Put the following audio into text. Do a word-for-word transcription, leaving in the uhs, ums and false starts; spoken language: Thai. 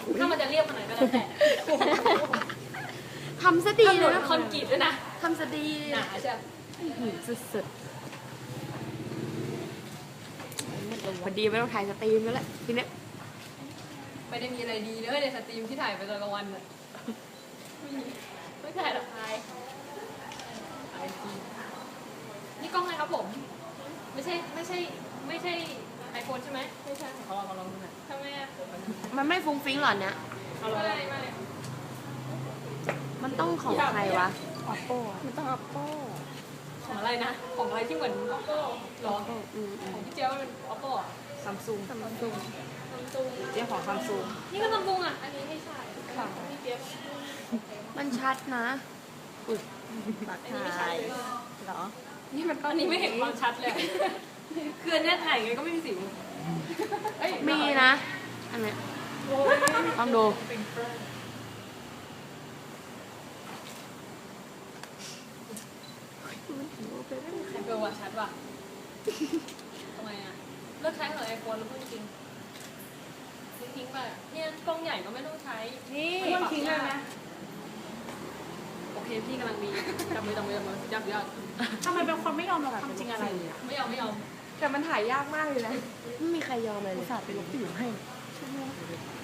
ถ้ามันจะเรียบขนาดก็แล้วแต่ทำซะดีเลยนะคอนกรีตด้วยนะทำซะดีหนาใช่สุดๆพอดีไม่ต้องถ่ายสตรีมแล้วแหละทีนี้ไม่ได้มีอะไรดีเลยในสตรีมที่ถ่ายไปตอนกลางวันเลยไม่ถ่ายหรอกใครนี่กล้องอะไรครับผมไม่ใช่ไม่ใช่ไม่ใช่ไอโฟนใช่ไหมไม่ใช่ขอลองขอลองดูหน่อยทำไมอ่ะมันไม่ฟุ้งฟิ้งหรอเนี่ยไม่ไม่ไม่มันต้องของใครวะ oppo มันต้อง oppo ของอะไรนะของอะไรที่เหมือน oppo หรอของพี่เจ้าเป็น oppo อ่ะซัมซุงซัมซุงซัมซุงเจ้าของซัมซุงนี่ก็ซัมซุงอ่ะอันนี้ไม่ใช่ของพี่เจี๊ยบมันชัดนะอุ้ยปักถ่ายเหรอนี่มันอันนี้ไม่เห็นความชัดเลยคืออันนี้ถ่ายไงก็ไม่มีสิวมีนะอันเนี้ยต้องดูไอโฟนว่ะชัดว่ะทำไมอ่ะเลิกใช้เหรอไอโฟนแล้วพูดจริงทิ้งไปเนี่ยกล้องใหญ่ก็ไม่ต้องใช้นี่มันทิ้งได้ไหมโอเคพี่กำลังมีจับมือจับมือจับมือจับยอดทำไมเป็นคนไม่ยอมรับความจริงอะไรเลยอะไม่ยอมไม่ยอมแต่มันถ่ายยากมากเลยนะไม่มีใครยอมเลยอุตส่าห์ไปลบสิวให้